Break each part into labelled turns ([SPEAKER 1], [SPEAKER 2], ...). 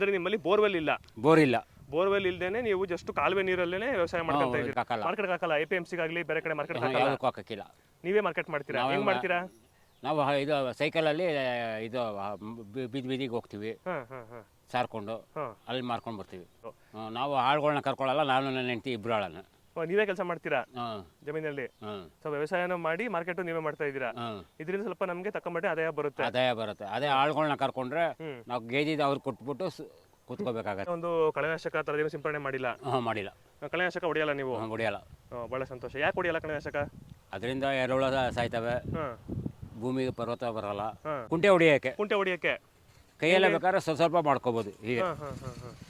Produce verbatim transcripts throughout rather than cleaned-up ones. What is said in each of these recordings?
[SPEAKER 1] ಅಂದ್ರೆ ನಿಮ್ಮಲ್ಲಿ ಬೋರ್ವೆಲ್ ಇಲ್ಲ
[SPEAKER 2] ಬೋರ್ ಇಲ್ಲ.
[SPEAKER 1] ಬೋರ್ವೆಲ್ ಇಲ್ದೇನೆ ನೀವು ಜಸ್ಟ್ ಕಾಲುವೆ ನೀರಲ್ಲೇನೆ ವ್ಯವಸಾಯ ಮಾಡ್ಕೊಂತ ಇದ್ದೀರಿ.
[SPEAKER 2] ಹಾಕಲ್ಲ.
[SPEAKER 1] ಮಾರ್ಕೆಟ್ ಹಾಕಲ್ಲ, ಎ ಪಿ ಎಂ ಸಿಗಾಗ್ಲಿ ಬೇರೆ ಕಡೆ ಮಾರ್ಕೆಟ್ ಹಾಕಲ್ಲ,
[SPEAKER 2] ಯಾವುದಕ್ಕೂ ಹಾಕಕ್ಕಿಲ್ಲ.
[SPEAKER 1] ನೀವೇ ಮಾರ್ಕೆಟ್ ಮಾಡ್ತೀರಾ?
[SPEAKER 2] ನಾವೇ
[SPEAKER 1] ಹೆಂಗ್ ಮಾಡ್ತೀರಾ?
[SPEAKER 2] ನಾವು ಹ- ಇದು ಸೈಕಲಲ್ಲಿ ಇದು ಬಿ- ಬೀದಿ ಬೀದಿಗೆ ಹೋಗ್ತೀವಿ
[SPEAKER 1] ಹಾ ಹಾ ಹಾ
[SPEAKER 2] ಸಾರ್ಕೊಂಡು
[SPEAKER 1] ಹಾ
[SPEAKER 2] ಅಲ್ಲಿ ಮಾರ್ಕೊಂಡು ಬರ್ತೀವಿ. ಹ್ಮ್, ನಾವು ಆಳುಗಳನ್ನ ಕರ್ಕೊಳ್ಳಲ್ಲ, ನಾನು ನನ್ನ ಹೆಂಡತಿ ಇಬ್ಬರು ಆಳನ್ನ.
[SPEAKER 1] ಓ, ನೀವೇ ಕೆಲಸ ಮಾಡ್ತೀರಾ
[SPEAKER 2] ಹಾಂ
[SPEAKER 1] ಜಮೀನಲ್ಲಿ?
[SPEAKER 2] ಹಾಂ
[SPEAKER 1] ಸೊ ವ್ಯವಸಾಯನ ಮಾಡಿ ಮಾರ್ಕೆಟ್ ನೀವೇ ಮಾಡ್ತಾ ಇದ್ದೀರಾ.
[SPEAKER 2] ಹಾಂ
[SPEAKER 1] ಇದರಿಂದ ಸ್ವಲ್ಪ ನಮಗೆ ತಕ್ಕಮಟ್ಟೆ ಆದಾಯ ಬರುತ್ತೆ.
[SPEAKER 2] ಆದಾಯ ಬರುತ್ತೆ. ಅದೇ ಆಳುಗಳನ್ನ ಕರ್ಕೊಂಡ್ರೆ
[SPEAKER 1] ಹ್ಮ್.
[SPEAKER 2] ನಾವು ಗೇಜಿದ ಅವ್ರಿಗೆ ಕೊಟ್ಬಿಟ್ಟು ಸ್- ಕೂತ್ಕೋಬೇಕಾಗತ್ತೆ.
[SPEAKER 1] ಒಂದು ಕಳೆನಾಶಕ ಆ ಥರದ್ದೇನು ಸಿಂಪಡಣೆ ಮಾಡಿಲ್ಲ?
[SPEAKER 2] ಹಾಂ ಮಾಡಿಲ್ಲ.
[SPEAKER 1] ಕಳೆನಾಶಕ ಹೊಡೆಯಲ್ಲ ನೀವು?
[SPEAKER 2] ಹಾಂ ಹೊಡಿಯಲ್ಲ.
[SPEAKER 1] ಹ್ಮ್, ಬಹಳ ಸಂತೋಷ. ಯಾಕೆ ಹೊಡೆಯಲ್ಲ ಕಳೆನಾಶಕ?
[SPEAKER 2] ಅದರಿಂದ ಎರೆಹುಳ ಸಾಯ್ತವೆ,
[SPEAKER 1] ಹಾಂ
[SPEAKER 2] ಭೂಮಿಗೆ ಪರ್ವತ ಬರಲ್ಲ.
[SPEAKER 1] ಹಾಂ
[SPEAKER 2] ಕುಂಟೆ ಹೊಡಿಯೋಕ್ಕೆ
[SPEAKER 1] ಕುಂಟೆ ಹೊಡಿಯಕ್ಕೆ?
[SPEAKER 2] ಕೈಯಲ್ಲೇ ಬೇಕಾದ್ರೆ ಸ್ವಲ್ಪ ಸ್ವಲ್ಪ ಮಾಡ್ಕೋಬೋದು ಹೀಗೆ.
[SPEAKER 1] ಹಾಂ ಹಾಂ ಹಾಂ ಹಾಂ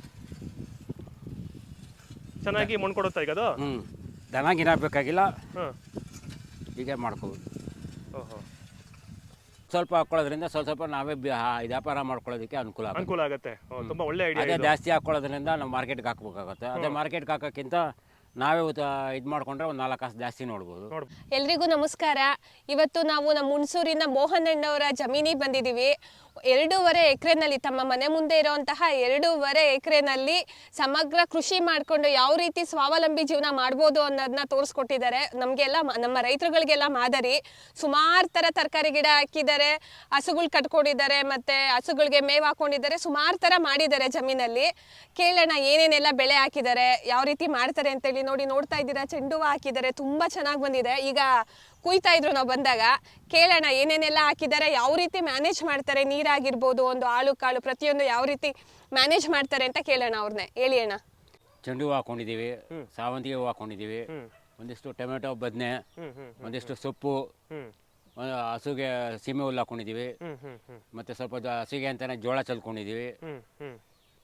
[SPEAKER 1] ಚೆನ್ನಾಗಿ ಮಣ್ಣು ಕೊಡುತ್ತಾ ಈಗ ಅದು?
[SPEAKER 2] ಹ್ಞೂ ದನ ಗಿನ ಬೇಕಾಗಿಲ್ಲ,
[SPEAKER 1] ಹಾಂ
[SPEAKER 2] ಹೀಗೆ ಮಾಡ್ಕೋಬೋದು.
[SPEAKER 1] ಓಹೋ,
[SPEAKER 2] ಸ್ವಲ್ಪ ಹಾಕ್ಕೊಳ್ಳೋದ್ರಿಂದ ಸ್ವಲ್ಪ ಸ್ವಲ್ಪ ನಾವೇ ಬಿ- ಆ, ಇದು ವ್ಯಾಪಾರ ಮಾಡ್ಕೊಳ್ಳೋದಕ್ಕೆ ಅನುಕೂಲ ಆಗುತ್ತೆ.
[SPEAKER 1] ಅನುಕೂಲ ಆಗುತ್ತೆ. ಓ, ತುಂಬಾ ಒಳ್ಳೆ
[SPEAKER 2] ಅದೇ
[SPEAKER 1] ಐಡಿಯಾ.
[SPEAKER 2] ಜಾಸ್ತಿ ಹಾಕ್ಕೊಳ್ಳೋದ್ರಿಂದ ನಾವು ಮಾರ್ಕೆಟ್ಗೆ ಹಾಕ್ಬೇಕಾಗುತ್ತೆ. ಅದೇ ಮಾರ್ಕೆಟ್ಗೆ ಹಾಕೋಕ್ಕಿಂತ ನಾವೇ ಇದು ಮಾಡ್ಕೊಂಡ್ರೆ ಒಂದು ನಾಲ್ಕು ಕಾಸು ಜಾಸ್ತಿ ನೋಡ್ಬೋದು.
[SPEAKER 1] ನೋಡ್
[SPEAKER 3] ಎಲ್ರಿಗೂ ನಮಸ್ಕಾರ. ಇವತ್ತು ನಾವು ನಮ್ಮ ಹುಣಸೂರಿನ ಮೋಹನ್ ಅಣ್ಣವರ ಜಮೀನಿಗೆ ಬಂದಿದ್ದೀವಿ. ಎರಡೂವರೆ ಎಕರೆನಲ್ಲಿ, ತಮ್ಮ ಮನೆ ಮುಂದೆ ಇರುವಂತಹ ಎರಡೂವರೆ ಎಕರೆನಲ್ಲಿ ಸಮಗ್ರ ಕೃಷಿ ಮಾಡಿಕೊಂಡು ಯಾವ ರೀತಿ ಸ್ವಾವಲಂಬಿ ಜೀವನ ಮಾಡ್ಬೋದು ಅನ್ನೋದನ್ನ ತೋರಿಸ್ಕೊಟ್ಟಿದ್ದಾರೆ ನಮಗೆಲ್ಲ, ನಮ್ಮ ರೈತರುಗಳಿಗೆಲ್ಲ ಮಾದರಿ. ಸುಮಾರು ಥರ ತರಕಾರಿ ಗಿಡ ಹಾಕಿದ್ದಾರೆ, ಹಸುಗಳು ಕಟ್ಕೊಂಡಿದ್ದಾರೆ, ಮತ್ತು ಹಸುಗಳಿಗೆ ಮೇವು ಹಾಕೊಂಡಿದ್ದಾರೆ, ಸುಮಾರು ಥರ ಮಾಡಿದ್ದಾರೆ ಜಮೀನಲ್ಲಿ. ಕೇಳೋಣ ಏನೇನೆಲ್ಲ ಬೆಳೆ ಹಾಕಿದ್ದಾರೆ, ಯಾವ ರೀತಿ ಮಾಡ್ತಾರೆ ಅಂತೇಳಿ. ನೋಡಿ, ನೋಡ್ತಾ ಇದ್ದೀರಾ, ಚೆಂಡು ಹೂವು ಹಾಕಿದ್ದಾರೆ, ತುಂಬ ಚೆನ್ನಾಗಿ ಬಂದಿದೆ. ಈಗ ಕುಯ್ತಾ ಇದ್ರು ನಾವು ಬಂದಾಗ. ಕೇಳೋಣ ಏನೇನೆಲ್ಲ ಹಾಕಿದ್ದಾರೆ, ಯಾವ ರೀತಿ ಮ್ಯಾನೇಜ್ ಮಾಡ್ತಾರೆ, ನೀರಾಗಿರ್ಬೋದು, ಒಂದು ಆಳು ಕಾಳು ಪ್ರತಿಯೊಂದು ಯಾವ ರೀತಿ ಮ್ಯಾನೇಜ್ ಮಾಡ್ತಾರೆ ಅಂತ ಕೇಳೋಣ ಅವ್ರನ್ನೇ. ಹೇಳಿ ಅಣ್ಣ.
[SPEAKER 2] ಚೆಂಡು ಹೂವು ಹಾಕೊಂಡಿದ್ದೀವಿ, ಸಾವಂತಿಗೆ ಹೂವು ಹಾಕೊಂಡಿದ್ದೀವಿ,
[SPEAKER 1] ಹ್ಮ್
[SPEAKER 2] ಒಂದಿಷ್ಟು ಟೊಮೆಟೊ, ಬದನೆ,
[SPEAKER 1] ಹ್ಮ್ ಹ್ಮ್
[SPEAKER 2] ಒಂದಿಷ್ಟು ಸೊಪ್ಪು,
[SPEAKER 1] ಹ್ಮ್
[SPEAKER 2] ಒಂದು ಹಸುಗೆ ಸೀಮೆ ಹುಲ್ಲು ಹಾಕೊಂಡಿದ್ದೀವಿ,
[SPEAKER 1] ಹ್ಮ್ ಹ್ಮ್ ಹ್ಮ್
[SPEAKER 2] ಮತ್ತು ಸ್ವಲ್ಪ ಜ- ಹಸುಗೆ ಅಂತಲೇ ಜೋಳ ಚಲ್ಕೊಂಡಿದ್ದೀವಿ,
[SPEAKER 1] ಹ್ಮ್ ಹ್ಮ್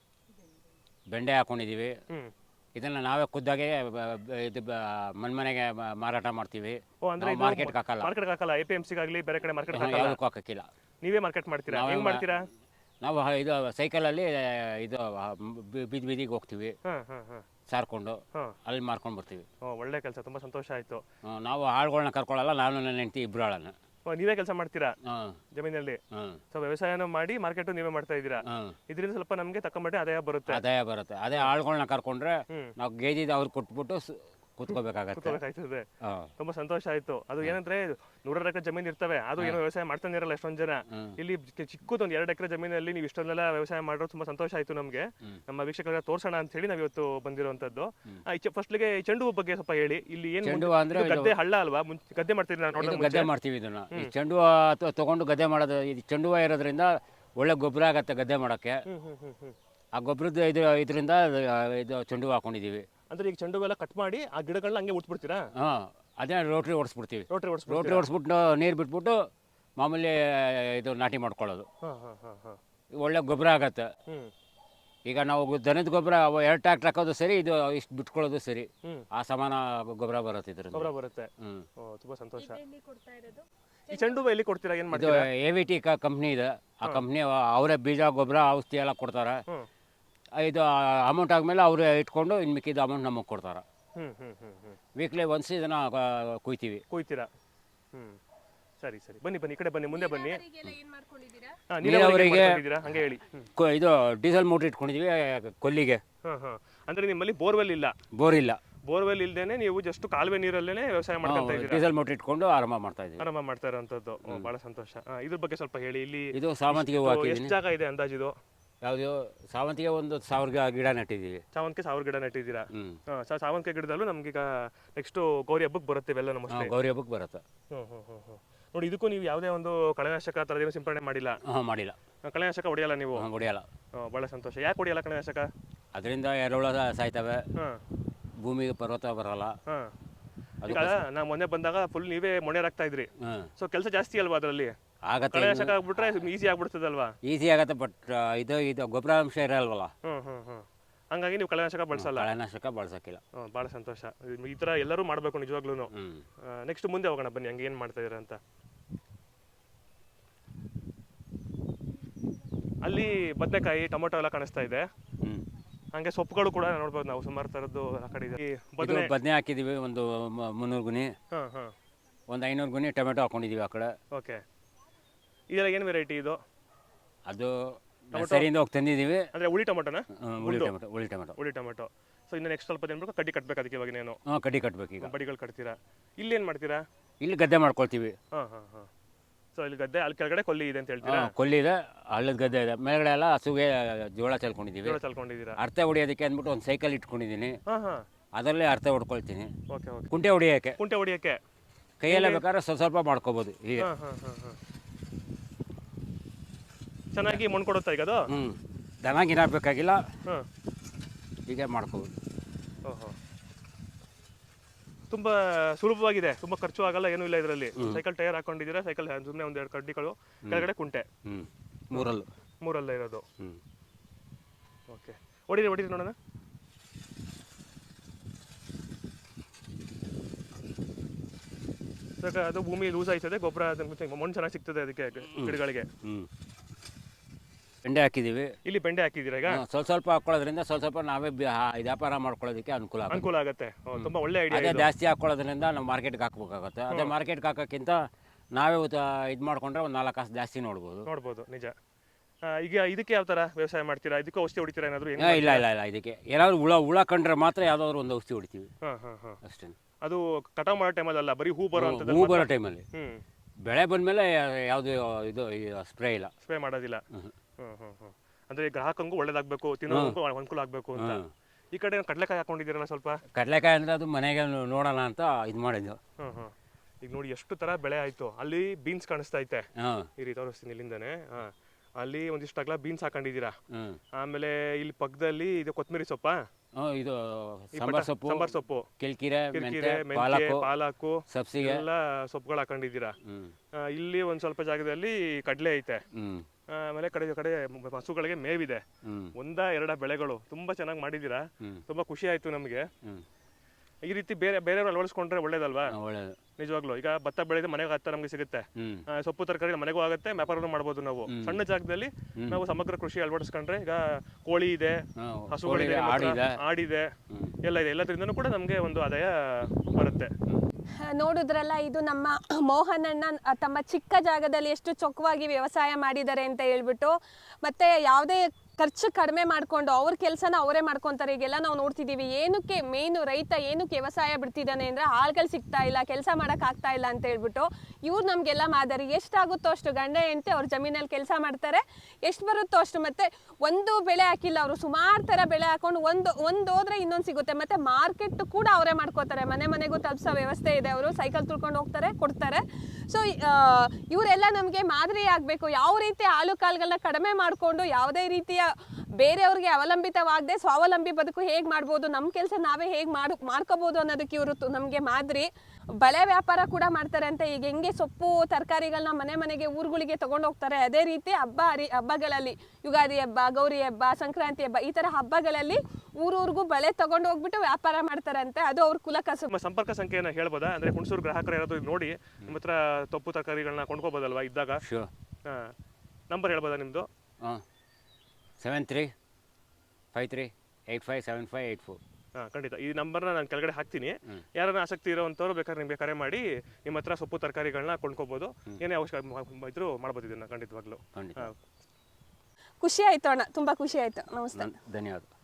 [SPEAKER 2] ಬೆಂಡೆ ಹಾಕೊಂಡಿದ್ದೀವಿ.
[SPEAKER 1] ಹ್ಮ್
[SPEAKER 2] ಇದನ್ನು ನಾವೇ ಖುದ್ದಾಗೆ ಬ- ಬ- ಇದು ಮನೆ ಮನೆಗೆ ಮ- ಮಾರಾಟ ಮಾಡ್ತೀವಿ.
[SPEAKER 1] ಓ, ಅಂದ್ರೆ ಇದು
[SPEAKER 2] ಮಾರ್ಕೆಟ್ಗೆ ಹಾಕಲ್ಲ,
[SPEAKER 1] ಮಾರ್ಕೆಟ್ ಹಾಕಲ್ಲ, ಎ ಪಿ ಎಂ ಸಿಗಾಗ್ಲಿ ಬೇರೆ ಕಡೆ ಮಾರ್ಕೆಟ್ ಹಾಕಲ್ಲ,
[SPEAKER 2] ಯಾವುದಕ್ಕೂ ಹಾಕಕ್ಕಿಲ್ಲ.
[SPEAKER 1] ನೀವೇ ಮಾರ್ಕೆಟ್ ಮಾಡ್ತೀರಾ?
[SPEAKER 2] ನಾವೇ
[SPEAKER 1] ಹೆಂಗ್
[SPEAKER 2] ಮಾ-
[SPEAKER 1] ಮಾಡ್ತೀರಾ?
[SPEAKER 2] ನಾವು ಹ- ಇದು ಸೈಕಲಲ್ಲಿ ಇದು ಬಿ- ಬೀದಿ ಬೀದಿಗೆ ಹೋಗ್ತೀವಿ
[SPEAKER 1] ಹಾಂ ಹಾಂ ಹಾಂ
[SPEAKER 2] ಸಾರ್ಕೊಂಡು
[SPEAKER 1] ಹಾಂ
[SPEAKER 2] ಅಲ್ಲಿ ಮಾರ್ಕೊಂಡು ಬರ್ತೀವಿ.
[SPEAKER 1] ಓ, ಒಳ್ಳೆ ಕೆಲಸ, ತುಂಬಾ ಸಂತೋಷ ಆಯ್ತು.
[SPEAKER 2] ಆ, ನಾವು ಆಳುಗಳನ್ನ ಕರ್ಕೊಳ್ಳಲ್ಲ, ನಾನು ನನ್ನ ಹೆಂಡತಿ ಇಬ್ಬರು ಆಳನ್ನ.
[SPEAKER 1] ಓ, ನೀವೇ ಕೆಲಸ ಮಾಡ್ತೀರಾ
[SPEAKER 2] ಹಾಂ
[SPEAKER 1] ಜಮೀನಲ್ಲಿ?
[SPEAKER 2] ಹಾಂ
[SPEAKER 1] ಸೊ ವ್ಯವಸಾಯನ ಮಾಡಿ ಮಾರ್ಕೆಟ್ ನೀವೇ ಮಾಡ್ತಾ ಇದ್ದೀರಾ.
[SPEAKER 2] ಹಾಂ
[SPEAKER 1] ಇದರಿಂದ ಸ್ವಲ್ಪ ನಮಗೆ ತಕ್ಕಮಟ್ಟೆ ಆದಾಯ ಬರುತ್ತೆ.
[SPEAKER 2] ಆದಾಯ ಬರುತ್ತೆ. ಅದೇ ಆಳುಗಳನ್ನ ಕರ್ಕೊಂಡ್ರೆ
[SPEAKER 1] ಹ್ಮ್
[SPEAKER 2] ನಾವು ಗೇಜಿದ ಅವ್ರಿಗೆ ಕೊಟ್ಬಿಟ್ಟು ಸ್- ಕೂತ್ಕೋಬೇಕಾಗತ್ತೆ.
[SPEAKER 1] ಕೂತ್ಕೋಬೇಕಾಯ್ತದೆ.
[SPEAKER 2] ಹಾಂ
[SPEAKER 1] ತುಂಬಾ ಸಂತೋಷ ಆಯ್ತು. ಅದು ಏನಂದ್ರೆ ನೂರಾರು ಎಕರೆ ಜಮೀನು ಇರ್ತವೆ, ಅದು ಏನೋ ವ್ಯವಸಾಯ ಮಾಡ್ತಾನೆ ಇರಲ್ಲ ಎಷ್ಟೊಂದು ಜನ.
[SPEAKER 2] ಹ್ಮ್.
[SPEAKER 1] ಇಲ್ಲಿ ಚಿ- ಚಿಕ್ಕದೊಂದು ಎರಡು ಎಕರೆ ಜಮೀನಲ್ಲಿ ನೀವು ಇಷ್ಟೊಂದೆಲ್ಲ ವ್ಯವಸಾಯ ಮಾಡೋದು ತುಂಬಾ ಸಂತೋಷ ಆಯ್ತು ನಮಗೆ.
[SPEAKER 2] ಹ್ಮ್.
[SPEAKER 1] ನಮ್ಮ ವೀಕ್ಷಕರ ತೋರ್ಸೋಣ ಅಂತ ಹೇಳಿ ನಾವು ಇವತ್ತು ಬಂದಿರುವಂತದ್ದು. ಫಸ್ಟ್ಗೆ ಚೆಂಡು ಹೂ ಬಗ್ಗೆ ಸ್ವಲ್ಪ ಹೇಳಿ. ಇಲ್ಲಿ ಏನು
[SPEAKER 2] ಚೆಂಡು ಹೂ ಅಂದ್ರೆ
[SPEAKER 1] ಇದು ಗದ್ದೆ ಹಳ್ಳ ಅಲ್ವಾ? ಮುಂಚೆ ಗದ್ದೆ ಮಾಡ್ತೀರಿ ನಾನು
[SPEAKER 2] ಇದು
[SPEAKER 1] ನೋಡೋದು
[SPEAKER 2] ಗದ್ದೆ
[SPEAKER 1] ಮುಂಚೆ.
[SPEAKER 2] ಮಾಡ್ತೀವಿ ಇದನ್ನ. ಈ ಚೆಂಡು ಹೂವ ತ- ತಗೊಂಡು ಗದ್ದೆ ಮಾಡೋದು. ಇದು ಚೆಂಡು ಹೂವ ಇರೋದ್ರಿಂದ ಒಳ್ಳೆ ಗೊಬ್ಬರ ಆಗತ್ತೆ ಗದ್ದೆ ಮಾಡೋಕ್ಕೆ.
[SPEAKER 1] ಹ್ಮ್ ಹ್ಮ್ ಹ್ಮ್ ಹ್ಮ್
[SPEAKER 2] ಆ ಗೊಬ್ಬರದ ಇದು ಇದರಿಂದ ಇದು ಚೆಂಡು ಹೂವ ಹಾಕೊಂಡಿದ್ದೀವಿ.
[SPEAKER 1] ಅಂದ್ರೆ ಈಗ ಚೆಂಡು ಹೂ ಎಲ್ಲ ಕಟ್ ಮಾಡಿ ಆ ಗಿಡಗಳನ್ನ ಹಂಗೆ ಉಟ್ಬಿಡ್ತೀರಾ?
[SPEAKER 2] ಹಾಂ ಅದೇ ರೋಟ್ರಿ ಓಡಿಸ್ಬಿಡ್ತೀವಿ.
[SPEAKER 1] ರೋಟ್ರಿ
[SPEAKER 2] ರೋಟ್ರಿ
[SPEAKER 1] ಓಡಿಸ್ಬಿಡ್ತೀರಾ?
[SPEAKER 2] ಓಡಿಸ್ಬಿಟ್ಟು ನೀರು ಬಿಟ್ಬಿಟ್ಟು ಮಾಮೂಲಿ ಇದು ನಾಟಿ ಮಾಡ್ಕೊಳ್ಳೋದು.
[SPEAKER 1] ಹಾ ಹಾ ಹಾ ಹಾ
[SPEAKER 2] ಒಳ್ಳೆ ಗೊಬ್ಬರ ಆಗತ್ತೆ.
[SPEAKER 1] ಹ್ಮ್
[SPEAKER 2] ಈಗ ನಾವು ದನದ ಗೊಬ್ಬರ ಎರಡು ಟ್ಯಾಕ್ಟ್ರ್ ಹಾಕೋದು ಸರಿ, ಇದು ಇಷ್ಟು ಬಿಟ್ಕೊಳ್ಳೋದು ಸರಿ.
[SPEAKER 1] ಹ್ಮ್
[SPEAKER 2] ಆ ಸಮಾನ ಗೊಬ್ಬರ ಬರುತ್ತೆ ಇದರಿಂದ.
[SPEAKER 1] ಗೊಬ್ಬರ ಬರುತ್ತೆ.
[SPEAKER 2] ಹ್ಞೂ
[SPEAKER 1] ಓ, ತುಂಬಾ ಸಂತೋಷ. ಈ ಚೆಂಡು ಹೂ ಎಲ್ಲಿ ಕೊಡ್ತೀರಾ? ಏನ್
[SPEAKER 2] ಇದು
[SPEAKER 1] ಮಾಡ್ತೀರಾ?
[SPEAKER 2] ಎ ವಿ ಟಿ ಕಂಪ್ನಿ ಇದೆ. ಆ ಕಂಪ್ನಿ ಅವರೇ ಬೀಜ, ಗೊಬ್ಬರ, ಔಷಧಿ ಎಲ್ಲ ಕೊಡ್ತಾರೆ.
[SPEAKER 1] ಹ್ಮ್
[SPEAKER 2] ಇದು ಅಮೌಂಟ್ ಆದಮೇಲೆ ಅವರೇ ಇಟ್ಕೊಂಡು ಇನ್ನು ಮಿಕ್ಕಿದ ಅಮೌಂಟ್ ನಮಗೆ ಕೊಡ್ತಾರೆ.
[SPEAKER 1] ಹ್ಮ್ ಹ್ಮ್ ಹ್ಮ್ ಹ್ಮ್
[SPEAKER 2] ವೀಕ್ಲಿ ಒನ್ಸ್ ಇದನ್ನು ಕುಯ್ತೀವಿ.
[SPEAKER 1] ಕೊಯ್ತೀರಾ? ಹ್ಮ್ ಸರಿ ಸರಿ, ಬನ್ನಿ ಬನ್ನಿ, ಈ ಕಡೆ ಬನ್ನಿ, ಮುಂದೆ ಬನ್ನಿ. ಹಾ,
[SPEAKER 2] ನೀರಾವರಿಗೆ-
[SPEAKER 1] ನೀರಾವರಿಗೆ ಮಾಡ್ಕೊಂಡಿದ್ದೀರಾ? ಹಂಗೆ ಹೇಳಿ. ಹ್ಮ್
[SPEAKER 2] ಕೊ- ಇದು ಡೀಸೆಲ್ ಮೋಟ್ರ್ ಇಟ್ಕೊಂಡಿದ್ದೀವಿ ಕೊಲ್ಲಿಗೆ.
[SPEAKER 1] ಹಾ ಹಾ ಅಂದ್ರೆ ನಿಮ್ಮಲ್ಲಿ ಬೋರ್ವೆಲ್ ಇಲ್ಲ?
[SPEAKER 2] ಬೋರ್ ಇಲ್ಲ.
[SPEAKER 1] ಬೋರ್ವೆಲ್ ಇಲ್ದೇನೆ ನೀವು ಜಸ್ಟ್ ಕಾಲುವೆ ನೀರಲ್ಲೇನೆ ವ್ಯವಸಾಯ ಮಾಡ್ಕೊಂತ ಇದ್ದೀರಾ?
[SPEAKER 2] ಡೀಸೆಲ್ ಮೋಟ್ರ್ ಇಟ್ಕೊಂಡು ಆರಂಭ ಮಾಡ್ತಾ ಇದ್ದೀವಿ.
[SPEAKER 1] ಆರಂಭ ಮಾಡ್ತಾ ಇರೋಂಥದ್ದು. ಓ, ಬಹಳ ಸಂತೋಷ. ಹಾ, ಇದ್ರ ಬಗ್ಗೆ ಸ್ವಲ್ಪ ಹೇಳಿ. ಇಲ್ಲಿ
[SPEAKER 2] ಇದು ಸಾವಂತಿಗೆ ಹೂವು
[SPEAKER 1] ಎಷ್ಟು
[SPEAKER 2] ಹಾಕಿದ್ದೀನಿ.
[SPEAKER 1] ಜಾಗ ಇದೆ ಅಂದಾಜಿದು?
[SPEAKER 2] ಯಾವುದು ಸಾವಂತಿಗೆ ಒಂದು ಸಾವಿರ ಗಿ- ಗಿಡ ನೆಟ್ಟಿದ್ದೀವಿ.
[SPEAKER 1] ಸಾವಂತಿಗೆ ಸಾವಿರ ಗಿಡ ನೆಟ್ಟಿದ್ದೀರಾ?
[SPEAKER 2] ಹ್ಞೂ
[SPEAKER 1] ಹಾ, ಸಾ- ಸಾವಂತಿಗೆ ಗಿಡದಲ್ಲೂ ನಮ್ಗೀಗ ನೆಕ್ಸ್ಟ್ ಗೌರಿ ಹಬ್ಬಕ್ಕೆ ಬರುತ್ತೆ ಇವೆಲ್ಲ
[SPEAKER 2] ಹಾಂ
[SPEAKER 1] ನಮಸ್ತೆ.
[SPEAKER 2] ಗೌರಿ ಹಬ್ಬಕ್ಕೆ ಬರುತ್ತೆ.
[SPEAKER 1] ಹ್ಮ್ ಹ್ಮ್ ಹ್ಮ್ ಹ್ಮ್ ನೋಡಿ, ಇದಕ್ಕೂ ನೀವು ಯಾವುದೇ ಒಂದು ಕಳೆನಾಶಕ ಆ ಥರದ್ದೇನು ಸಿಂಪಡಣೆ ಮಾಡಿಲ್ಲ?
[SPEAKER 2] ಹಾಂ ಮಾಡಿಲ್ಲ.
[SPEAKER 1] ಆ, ಕಳೆನಾಶಕ ಹೊಡೆಯಲ್ಲ ನೀವು?
[SPEAKER 2] ಹಾಂ ಹೊಡಿಯಲ್ಲ.
[SPEAKER 1] ಹಾ, ಬಹಳ ಸಂತೋಷ. ಯಾಕೆ ಹೊಡೆಯಲ್ಲ ಕಳೆನಾಶಕ?
[SPEAKER 2] ಅದರಿಂದ ಎರೆಹುಳ ಸಾಯ್ತವೆ,
[SPEAKER 1] ಹಾಂ
[SPEAKER 2] ಭೂಮಿಗೆ ಪರ್ವತ ಬರಲ್ಲ.
[SPEAKER 1] ಹಾಂ
[SPEAKER 2] ಅದು
[SPEAKER 1] ಈಗ ನಾ ಮೊನ್ನೆ ಬಂದಾಗ ಫುಲ್ ನೀವೇ ಮೊಣೆರಾಗ್ತಾ ಇದ್ರಿ.
[SPEAKER 2] ಹಾಂ
[SPEAKER 1] ಸೊ ಕೆಲಸ ಜಾಸ್ತಿ ಅಲ್ವಾ ಅದರಲ್ಲಿ?
[SPEAKER 2] ಆಗತ್ತೆ.
[SPEAKER 1] ಕಳೆನಾಶಕ ಆಗ್ಬಿಟ್ರೆ ಈಸಿ ಆಗ್ಬಿಡ್ತದಲ್ವಾ?
[SPEAKER 2] ಈಸಿ ಆಗತ್ತೆ, ಬಟ್ ಇದು ಇದು ಗೊಬ್ಬರಾಂಶ ಇರಲ್ವಲ್ಲ,
[SPEAKER 1] ಹ್ಮ್ ಹ್ಮ್ ಹ್ಮ್ ಹಂಗಾಗಿ ನೀವು ಕಳೆನಾಶಕ ಬಳಸಲ್ಲ?
[SPEAKER 2] ಕಳೆನಾಶಕ ಬಳಸಕ್ಕಿಲ್ಲ.
[SPEAKER 1] ಹ್ಮ್, ಭಾಳ ಸಂತೋಷ. ಈ ಥರ ಎಲ್ಲರೂ ಮಾಡಬೇಕು ನಿಜವಾಗ್ಲೂ.
[SPEAKER 2] ಹ್ಞೂ
[SPEAKER 1] ನೆಕ್ಸ್ಟ್ ಮುಂದೆ ಹೋಗೋಣ ಬನ್ನಿ, ಹಂಗೆ ಏನು ಮಾಡ್ತಾ ಇದ್ದೀರಾ ಅಂತ. ಅಲ್ಲಿ ಬದನೆಕಾಯಿ, ಟೊಮೊಟೊ ಎಲ್ಲ ಕಾಣಿಸ್ತಾ ಇದೆ.
[SPEAKER 2] ಹ್ಞೂ
[SPEAKER 1] ಹಂಗೆ ಸೊಪ್ಪುಗಳು ಕೂಡ ನೋಡ್ಬೋದು ನಾವು, ಸುಮಾರು ಥರದ್ದು ಆ ಕಡೆ ಇದೆ. ಈ
[SPEAKER 2] ಇದು
[SPEAKER 1] ಬದನೆ
[SPEAKER 2] ಬದನೆ ಹಾಕಿದ್ದೀವಿ ಒಂದು ಮ- ಮುನ್ನೂರು ಗುಣಿ,
[SPEAKER 1] ಹಾಂ ಹಾಂ
[SPEAKER 2] ಒಂದು ಐನೂರು ಗುಣಿ ಟೊಮೆಟೊ ಹಾಕೊಂಡಿದ್ದೀವಿ ಆ ಕಡೆ.
[SPEAKER 1] ಓಕೆ. ಇದೆಲ್ಲ ಏನು ವೆರೈಟಿ ಇದು?
[SPEAKER 2] ಅದು ನರ್ಸರಿಯಿಂದ ಹೋಗಿ ತಂದಿದ್ದೀವಿ.
[SPEAKER 1] ಅಂದ್ರೆ ಉಳಿ ಟೊಮೊಟೊನಾ?
[SPEAKER 2] ಹ್ಮ್, ಉಳಿ ಟೊಮೆಟೊ ಉಳಿ ಟೊಮೆಟೊ
[SPEAKER 1] ಉಳಿ ಟೊಮೊಟೊ. ಸೊ ಇನ್ನು ನೆಕ್ಸ್ಟ್ ಸ್ವಲ್ಪ ದಿನ ಕಡ್ಡಿ ಕಟ್ಬೇಕು ಅದಕ್ಕೆ ಇವಾಗ ನೀನು
[SPEAKER 2] ಹಾಂ ಕಡ್ಡಿ ಕಟ್ಬೇಕು ಈಗ.
[SPEAKER 1] ಬಡಿಗಳು ಕಟ್ತೀರಾ. ಇಲ್ಲಿ ಏನು ಮಾಡ್ತೀರಾ?
[SPEAKER 2] ಇಲ್ಲಿ ಗದ್ದೆ ಮಾಡ್ಕೊಳ್ತೀವಿ.
[SPEAKER 1] ಹಾಂ ಹಾಂ ಹಾಂ. ಸೊ ಇಲ್ಲಿ ಗದ್ದೆ ಅಲ್ಲಿ ಕೆಳಗಡೆ ಕೊಲ್ಲಿ ಇದೆ ಅಂತ ಹೇಳ್ತೀರಾ?
[SPEAKER 2] ಹಾಂ ಕೊಲ್ಲಿ ಇದೆ, ಹಳ್ಳದ ಗದ್ದೆ ಇದೆ, ಮೇಲ್ಗಡೆ ಎಲ್ಲ ಹಸುಗೆ ಜೋಳ ಚಲ್ಕೊಂಡಿದ್ದೀವಿ.
[SPEAKER 1] ಜೋಳ ಚಲ್ಕೊಂಡಿದ್ದೀರಾ?
[SPEAKER 2] ಅರ್ತೆ ಹೊಡಿಯೋದಕ್ಕೆ ಅಂದ್ಬಿಟ್ಟು ಒಂದು ಸೈಕಲ್ ಇಟ್ಕೊಂಡಿದ್ದೀನಿ,
[SPEAKER 1] ಹಾಂ ಹಾಂ.
[SPEAKER 2] ಅದರಲ್ಲೇ ಅರ್ತೆ ಹೊಡ್ಕೊಳ್ತೀನಿ.
[SPEAKER 1] Okay okay.
[SPEAKER 2] ಕುಂಟೆ ಹೊಡಿಯೋಕ್ಕೆ
[SPEAKER 1] ಕುಂಟೆ ಹೊಡಿಯೋಕ್ಕೆ
[SPEAKER 2] ಕೈಯಲ್ಲೇ ಬೇಕಾದ್ರೆ ಸ್ವಲ್ಪ ಸ್ವಲ್ಪ ಮಾಡ್ಕೋಬೋದು ಹೀಗೆ.
[SPEAKER 1] ಹಾಂ ಹಾಂ ಹಾಂ ಹಾಂ. ಚೆನ್ನಾಗಿ ಮಣ್ಣು ಕೊಡುತ್ತಾ ಈಗ ಅದು?
[SPEAKER 2] ಹ್ಞೂ ದನ ಗಿನ ಬೇಕಾಗಿಲ್ಲ,
[SPEAKER 1] ಹಾಂ
[SPEAKER 2] ಹೀಗೆ ಮಾಡ್ಕೋಬೋದು.
[SPEAKER 1] ಓಹೋ, ತುಂಬ ಸುಲಭವಾಗಿದೆ, ತುಂಬ ಖರ್ಚು ಆಗಲ್ಲ, ಏನೂ ಇಲ್ಲ ಇದರಲ್ಲಿ. ಸೈಕಲ್ ಟೈರ್ ಹಾಕೊಂಡಿದ್ದೀರಾ, ಸೈಕಲ್ ಸುಮ್ಮನೆ ಒಂದೆರಡು ಕಡ್ಡಿಗಳು, ಕೆಳಗಡೆ ಕುಂಟೆ.
[SPEAKER 2] ಹ್ಞೂ ಮೂರಲ್ಲು
[SPEAKER 1] ಮೂರಲ್ಲೇ ಇರೋದು.
[SPEAKER 2] ಹ್ಞೂ
[SPEAKER 1] ಓಕೆ, ಹೊಡೀರಿ ಹೊಡೀರಿ ನೋಡೋಣ. ಇವಾಗ ಅದು ಭೂಮಿ ಲೂಸ್ ಆಯ್ತದೆ, ಗೊಬ್ಬರ ಮಣ್ಣು ಚೆನ್ನಾಗಿ ಸಿಗ್ತದೆ ಅದಕ್ಕೆ ಗಿಡಗಳಿಗೆ.
[SPEAKER 2] ಹ್ಞೂ ಬೆಂಡೆ ಹಾಕಿದ್ದೀವಿ.
[SPEAKER 1] ಇಲ್ಲಿ ಬೆಂಡೆ ಹಾಕಿದ್ದೀರಾ ಈಗ?
[SPEAKER 2] ಹ್ಮ್, ಸ್ವಲ್ಪ ಸ್ವಲ್ಪ ಹಾಕೊಳ್ಳೋದ್ರಿಂದ ಸ್ವಲ್ಪ ಸ್ವಲ್ಪ ನಾವೇ ಬಿ- ಹಾ- ಇದು ವ್ಯಾಪಾರ ಮಾಡ್ಕೊಳ್ಳೋದಕ್ಕೆ ಅನುಕೂಲ ಆಗುತ್ತೆ.
[SPEAKER 1] ಅನುಕೂಲ ಆಗುತ್ತೆ. ಓ, ತುಂಬಾ ಒಳ್ಳೆ
[SPEAKER 2] ಅದೇ
[SPEAKER 1] ಐಡಿಯಾ.
[SPEAKER 2] ಜಾಸ್ತಿ ಹಾಕೊಳ್ಳೋದ್ರಿಂದ ನಾವು ಮಾರ್ಕೆಟ್ಗೆ ಹಾಕ್ಬೇಕಾಗುತ್ತೆ. ಅದೇ ಮಾರ್ಕೆಟ್ಗೆ ಹಾಕೋಕ್ಕಿಂತ ನಾವೇ ಇದು ಮಾಡ್ಕೊಂಡ್ರೆ ಒಂದು ನಾಲ್ಕು ಕಾಸು ಜಾಸ್ತಿ ನೋಡ್ಬೋದು.
[SPEAKER 1] ನೋಡ್ಬೋದು, ನಿಜ. ಆ, ಈಗ ಇದಕ್ಕೆ ಯಾವ ತರ ವ್ಯವಸಾಯ ಮಾಡ್ತೀರಾ? ಇದಕ್ಕೂ ಔಷಧಿ ಹೊಡಿತೀರಾ ಏನಾದ್ರು?
[SPEAKER 2] ಏ, ಇಲ್ಲ ಇಲ್ಲ ಇಲ್ಲ ಇದಕ್ಕೆ ಏನಾದ್ರು ಹುಳ ಹುಳ ಕಂಡ್ರೆ ಮಾತ್ರ ಯಾವ್ದಾದ್ರು ಒಂದು ಔಷಧಿ ಹೊಡಿತೀವಿ
[SPEAKER 1] ಹಾ ಹಾ ಹಾ.
[SPEAKER 2] ಅಷ್ಟೇ.
[SPEAKER 1] ಅದು ಕಟಾವ್ ಮಾಡೋ ಟೈಮಲ್ಲಿ ಅಲ್ಲ, ಬರೀ ಹೂ ಬರೋ ಅಂತದ್ದು.
[SPEAKER 2] ಹೂ ಬರೋ ಟೈಮಲ್ಲಿ.
[SPEAKER 1] ಹ್ಮ್.
[SPEAKER 2] ಬೆಳೆ ಬಂದಮೇಲೆ ಯಾವುದು ಇದು ಸ್ಪ್ರೇ ಇಲ್ಲ,
[SPEAKER 1] ಸ್ಪ್ರೇ ಮಾಡೋದಿಲ್ಲ.
[SPEAKER 2] ಹ್ಮ್.
[SPEAKER 1] ಹ್ಮ್ ಹ್ಮ್ ಹ್ಮ್. ಅಂದ್ರೆ ಗ್ರಾಹಕಂಗೂ ಒಳ್ಳೇದಾಗಬೇಕು, ತಿನ್ನೋದಕ್ಕೂ ಅನುಕೂಲ ಆಗ್ಬೇಕು ಅಂತ.
[SPEAKER 2] ಹ್ಮ್.
[SPEAKER 1] ಈ ಕಡೆ ಕಡಲೆಕಾಯಿ ಹಾಕೊಂಡಿದ್ದೀರಲ್ಲ ಸ್ವಲ್ಪ?
[SPEAKER 2] ಕಡಲೆಕಾಯಿ ಅಂದರೆ ಅದು ಮನೆಗೆ ನೋಡೋಣ ಅಂತ ಇದು ಮಾಡಿದ್ದು.
[SPEAKER 1] ಹ್ಮ್ ಹ್ಮ್. ಈಗ ನೋಡಿ ಎಷ್ಟು ತರ ಬೆಳೆ ಆಯ್ತು. ಅಲ್ಲಿ ಬೀನ್ಸ್ ಕಾಣಿಸ್ತಾ ಐತೆ,
[SPEAKER 2] ಹಾಂ
[SPEAKER 1] ಈ ರೀತಿ ತೋರಿಸ್ತೀನಿ ಇಲ್ಲಿಂದಾನೆ. ಹಾ, ಅಲ್ಲಿ ಒಂದಿಷ್ಟು ಅಗಲ ಬೀನ್ಸ್ ಹಾಕೊಂಡಿದ್ದೀರಾ.
[SPEAKER 2] ಹ್ಞೂ
[SPEAKER 1] ಆಮೇಲೆ ಇಲ್ಲಿ ಪಕ್ಕದಲ್ಲಿ ಇದು ಕೊತ್ತಂಬರಿ ಸೊಪ್ಪಾ?
[SPEAKER 2] ಹ್ಞೂ ಇದು
[SPEAKER 1] ಈ
[SPEAKER 2] ಸಾಂಬಾರ್
[SPEAKER 1] ಪಟ-
[SPEAKER 2] ಸೊಪ್ಪು,
[SPEAKER 1] ಸಾಂಬಾರ್ ಸೊಪ್ಪು,
[SPEAKER 2] ಕಿರಿಕಿರೆ,
[SPEAKER 1] ಕಿರಿಕಿರೆ,
[SPEAKER 2] ಮೆಂತೆ,
[SPEAKER 1] ಮೆಂತ್ಯ,
[SPEAKER 2] ಪಾಲಕು,
[SPEAKER 1] ಪಾಲಕು,
[SPEAKER 2] ಸಬ್ಸಿಗೆ
[SPEAKER 1] ಎಲ್ಲ ಸೊಪ್ಪುಗಳು ಹಾಕೊಂಡಿದ್ದೀರಾ.
[SPEAKER 2] ಹ್ಞೂ
[SPEAKER 1] ಆ, ಇಲ್ಲಿ ಒಂದ್ ಸ್ವಲ್ಪ ಜಾಗದಲ್ಲಿ ಕಡಲೆ ಐತೆ.
[SPEAKER 2] ಹ್ಞೂ
[SPEAKER 1] ಆಮೇಲೆ ಕಡೆ ಕಡೆ ಹಸುಗಳಿಗೆ ಮೇವಿದೆ.
[SPEAKER 2] ಹ್ಞೂ
[SPEAKER 1] ಒಂದ ಎರಡ ಬೆಳೆಗಳು ತುಂಬಾ ಚೆನ್ನಾಗಿ ಮಾಡಿದ್ದೀರಾ.
[SPEAKER 2] ಹ್ಞೂ
[SPEAKER 1] ತುಂಬಾ ಖುಷಿ ಆಯ್ತು ನಮಗೆ.
[SPEAKER 2] ಹ್ಞೂ
[SPEAKER 1] ಈ ರೀತಿ ಬೇರೆ ಬೇರೆಯವ್ರು ಅಳವಡಿಸ್ಕೊಂಡ್ರೆ ಒಳ್ಳೇದಲ್ವಾ?
[SPEAKER 2] ಒಳ್ಳೆಯದು
[SPEAKER 1] ನಿಜವಾಗ್ಲು. ಈಗ ಭತ್ತ ಬೆಳೆದು ಮನೆಗೆ ಹತ್ತ ನಮಗೆ ಸಿಗುತ್ತೆ,
[SPEAKER 2] ಹ್ಞೂ
[SPEAKER 1] ಆ, ಸೊಪ್ಪು ತರಕಾರಿ ಮನೆಗೂ ಆಗುತ್ತೆ, ವ್ಯಾಪಾರನೂ ಮಾಡ್ಬೋದು ನಾವು. ಸಣ್ಣ ಜಾಗದಲ್ಲಿ ನಾವು ಸಮಗ್ರ ಕೃಷಿ ಅಳವಡಿಸ್ಕೊಂಡ್ರೆ, ಈಗ ಕೋಳಿ ಇದೆ, ಹಸುಗಳಿದೆ, ನಿಮ್ಮ ಹತ್ರ,
[SPEAKER 2] ಆಡಿದೆ.
[SPEAKER 1] ಆಡಿದೆ, ಎಲ್ಲ ಇದೆ. ಎಲ್ಲದ್ರಿಂದನೂ ಕೂಡ ನಮಗೆ ಒಂದು ಆದಾಯ ಬರುತ್ತೆ.
[SPEAKER 3] ನೋಡಿದ್ರಲ್ಲ, ಇದು ನಮ್ಮ ಮೋಹನಣ್ಣ ತಮ್ಮ ಚಿಕ್ಕ ಜಾಗದಲ್ಲಿ ಎಷ್ಟು ಚೊಕ್ಕವಾಗಿ ವ್ಯವಸಾಯ ಮಾಡಿದ್ದಾರೆ ಅಂತ ಹೇಳ್ಬಿಟ್ಟು, ಮತ್ತೆ ಯಾವುದೇ ಖರ್ಚು ಕಡಿಮೆ ಮಾಡಿಕೊಂಡು ಅವ್ರ ಕೆಲಸನ ಅವರೇ ಮಾಡ್ಕೊತಾರೆ. ಈಗೆಲ್ಲ ನಾವು ನೋಡ್ತಿದ್ದೀವಿ. ಏನಕ್ಕೆ ಮೇಯ್ನು ರೈತ ಏನಕ್ಕೆ ವ್ಯವಸಾಯ ಬಿಡ್ತಿದ್ದಾನೆ ಅಂದರೆ ಆಳ್ಗಳು ಸಿಗ್ತಾ ಇಲ್ಲ, ಕೆಲಸ ಮಾಡೋಕ್ಕಾಗ್ತಾ ಇಲ್ಲ ಅಂತ ಹೇಳ್ಬಿಟ್ಟು ಇವ್ರು ನಮಗೆಲ್ಲ ಮಾದರಿ. ಎಷ್ಟಾಗುತ್ತೋ ಅಷ್ಟು ಗಂಡ ಹೆಂಡತಿ ಅವ್ರ ಜಮೀನಲ್ಲಿ ಕೆಲಸ ಮಾಡ್ತಾರೆ, ಎಷ್ಟು ಬರುತ್ತೋ ಅಷ್ಟು. ಮತ್ತು ಒಂದು ಬೆಳೆ ಹಾಕಿಲ್ಲ ಅವರು, ಸುಮಾರು ಥರ ಬೆಳೆ ಹಾಕೊಂಡು ಒಂದು ಒಂದು ಹೋದ್ರೆ ಇನ್ನೊಂದು ಸಿಗುತ್ತೆ. ಮತ್ತು ಮಾರ್ಕೆಟ್ ಕೂಡ ಅವರೇ ಮಾಡ್ಕೋತಾರೆ, ಮನೆ ಮನೆಗೂ ತಲುಪಿಸೋ ವ್ಯವಸ್ಥೆ ಇದೆ. ಅವರು ಸೈಕಲ್ ತುಳ್ಕೊಂಡು ಹೋಗ್ತಾರೆ, ಕೊಡ್ತಾರೆ. ಸೊ ಇವರೆಲ್ಲ ನಮಗೆ ಮಾದರಿ ಆಗಬೇಕು. ಯಾವ ರೀತಿ ಆಳು ಕಾಳುಗಳನ್ನ ಕಡಿಮೆ ಮಾಡಿಕೊಂಡು ಯಾವುದೇ ರೀತಿಯ ಬೇರೆಯವ್ರಿಗೆ ಅವಲಂಬಿತವಾಗದೆ ಸ್ವಾವಲಂಬಿ ಬದುಕು ಹೇಗೆ ಮಾಡ್ಬೋದು, ನಮ್ಮ ಕೆಲಸ ನಾವೇ ಹೇಗೆ ಮಾಡು ಮಾಡ್ಕೋಬೋದು ಅನ್ನೋದಕ್ಕೆ ಇವರು ನಮಗೆ ಮಾದರಿ. ಬಳೆ ವ್ಯಾಪಾರ ಕೂಡ ಮಾಡ್ತಾರೆ ಅಂತ. ಈಗ ಹೆಂಗೆ ಸೊಪ್ಪು ತರಕಾರಿಗಳನ್ನ ಮನೆ ಮನೆಗೆ ಊರುಗಳಿಗೆ ತಗೊಂಡು ಹೋಗ್ತಾರೆ, ಅದೇ ರೀತಿ ಹಬ್ಬ ಹರಿ ಹಬ್ಬಗಳಲ್ಲಿ ಯುಗಾದಿ ಹಬ್ಬ, ಗೌರಿ ಹಬ್ಬ, ಸಂಕ್ರಾಂತಿ ಹಬ್ಬ, ಈ ಥರ ಹಬ್ಬಗಳಲ್ಲಿ ಊರೂರಿಗೂ ಬಳೆ ತಗೊಂಡು ಹೋಗ್ಬಿಟ್ಟು ವ್ಯಾಪಾರ ಮಾಡ್ತಾರಂತೆ. ಅದು ಅವ್ರ ಕುಲಕಸು.
[SPEAKER 1] ನಿಮ್ಮ ಸಂಪರ್ಕ ಸಂಖ್ಯೆಯನ್ನು ಹೇಳ್ಬೋದಾ? ಅಂದ್ರೆ ಹುಣಸೂರು ಗ್ರಾಹಕರು ಯಾರಾದರೂ ನೋಡಿ ನಿಮ್ಮ ಹತ್ರ ತೊಪ್ಪು ತರಕಾರಿಗಳನ್ನ ಕೊಂಡ್ಕೋಬೋದಲ್ವಾ ಇದ್ದಾಗ?
[SPEAKER 2] ಶೂರ್.
[SPEAKER 1] ಹಾಂ, ನಂಬರ್ ಹೇಳ್ಬೋದಾ ನಿಮ್ಮದು?
[SPEAKER 2] ಹಾಂ seven three five three eight five seven five eight four.
[SPEAKER 1] ಹಾಂ, ಖಂಡಿತ. ಈ ನಂಬರ್ನ ನಾನು ಕೆಳಗಡೆ ಹಾಕ್ತೀನಿ. ಯಾರನ್ನ ಆಸಕ್ತಿ ಇರೋವಂಥವ್ರು ಬೇಕಾದ್ರೆ ನಿಮಗೆ ಕರೆ ಮಾಡಿ ನಿಮ್ಮ ಹತ್ರ ಸೊಪ್ಪು ತರಕಾರಿಗಳನ್ನ ಕೊಂಡ್ಕೋಬೋದು. ಏನೇ ಅವಶ್ಯಕ ಇದ್ರೂ ಮಾಡ್ಬೋದು ಇದನ್ನು ಖಂಡಿತವಾಗ್ಲೂ.
[SPEAKER 2] ಖಂಡಿತ.
[SPEAKER 1] ಹಾಂ,
[SPEAKER 3] ಖುಷಿ ಆಯ್ತು ಅಣ್ಣ, ತುಂಬ ಖುಷಿ ಆಯ್ತು. ನಮಸ್ತೆ.
[SPEAKER 2] ಧನ್ಯವಾದ.